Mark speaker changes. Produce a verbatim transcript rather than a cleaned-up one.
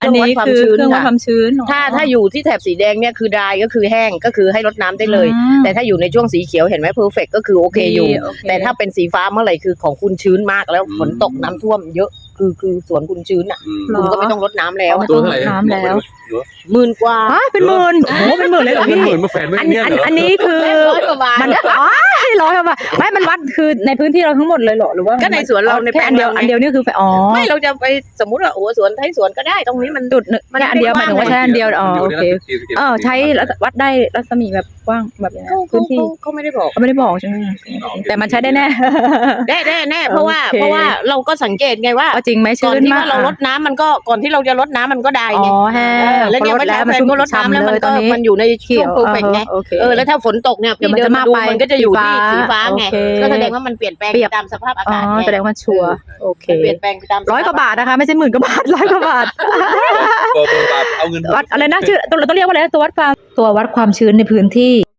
Speaker 1: อันนี้คือเครื่องวัดความชื้น
Speaker 2: ถ้าถ้าอยู่ที่แถบสีแดงเนี่ยคือ dry ก็คือแห้งก็คือให้รดน้ำได้เลย แต่ถ้าอยู่ในช่วงสีเขียวเห็นไหม perfect ก็คือโอเคอยู่แต่ถ้าเป็นสีฟ้าเมื่อไหร่คือของคุณชื้นมากแล้วฝนตกน้ำท่วมเยอะคือคือสวนคุณชื้นอ่ะคุณก็ไม่ต้องรดน้ำแล้ว
Speaker 1: ตัวเท่าไหร่น้ำแล้ว
Speaker 2: หมื่นกว่า
Speaker 1: เป็นหมื่นโอ้โหเป็นหมื่นเลยเหรอพี่
Speaker 3: หมื่นมาแฝนไว้
Speaker 1: อัน
Speaker 3: เนี่ยเหรอ
Speaker 1: อันนี้คือ
Speaker 2: ร้อยกว่าบาท
Speaker 1: มันอ๋อร้อยกว่าบาทไม่มันวัดคือในพื้นที่เราทั้งหมดเลยเหรอหรือว่า
Speaker 2: ก็ในสวนเราใน
Speaker 1: แค่อันเดียวอันเดียวนี่คืออ๋อ
Speaker 2: ไม่เราจะไปสมมติว่าโอ้สวนไทยสวนก็ได้ตรงนี้มัน
Speaker 1: จุดหนึ่งแค่อันเดียวหมายถึงว่าใช้อันเดียวอ๋อโอเคเออใช้วัดได้รัศมีแบบกว้างแบบนี้
Speaker 2: เขา
Speaker 1: พื้นที่
Speaker 2: เขาไม่ได้บอก
Speaker 1: เขาไม่ได้บอกใช่ไหมแต่มันใช้ได้แน่
Speaker 2: ได้ได้แน่เพราะว่า
Speaker 1: โอเค
Speaker 2: เพราะว่าเราก็สังเกตไงว่า
Speaker 1: ว่าจริงไหม
Speaker 2: ก่
Speaker 1: ชื้
Speaker 2: อน
Speaker 1: น
Speaker 2: ที่
Speaker 1: มา
Speaker 2: ว่าก เราลดน้ำมันก็ก่อนที่เราจะลดน้ำมันก็ได้
Speaker 1: อ๋
Speaker 2: ไง
Speaker 1: อแห้ง
Speaker 2: เออแล้วเนี่ย
Speaker 1: พอ
Speaker 2: เมื่อ
Speaker 1: แล้
Speaker 2: เช้าว แฟ
Speaker 1: มัน
Speaker 2: น
Speaker 1: ชุ่ม
Speaker 2: ก็ลดน้ำแล้วมัน
Speaker 1: ฉ่ำเลยต
Speaker 2: ก็
Speaker 1: อนนี้
Speaker 2: มันอยู่ในช่วงเพอร์เฟกต์ไง
Speaker 1: โอเค
Speaker 2: เออแล้วถ้าฝนตกเนี่ย
Speaker 1: เดี๋ยว
Speaker 2: พี่
Speaker 1: มัน
Speaker 2: เดิน
Speaker 1: จะ
Speaker 2: มา
Speaker 1: มา
Speaker 2: ดู
Speaker 1: ไป
Speaker 2: มันก็จะอยู่ที่
Speaker 1: สี
Speaker 2: สี
Speaker 1: ฟ้า
Speaker 2: ฟ้าไง
Speaker 1: โอเค
Speaker 2: ก็แสดงว่ามันเปลี่ยนแปลง
Speaker 1: เปรียบ
Speaker 2: ตามสภาพอา
Speaker 1: อ๋อก
Speaker 2: าศไง
Speaker 1: แสดงว่าชัวร์โอเค
Speaker 2: เปลี่ยนแปลงไปตาม
Speaker 1: ร้อยกว่าบาทนะคะไม่ใช่หมื่นกว่าบาทร้อยกว่าบาท
Speaker 3: เบอร์เบอร์บาทเอาเงิน
Speaker 1: วัดอะไรนะชื่อตัวเราต้องเรียกว่าอะไรนะตัววัดความตัววัดความชื้นในพื้นที่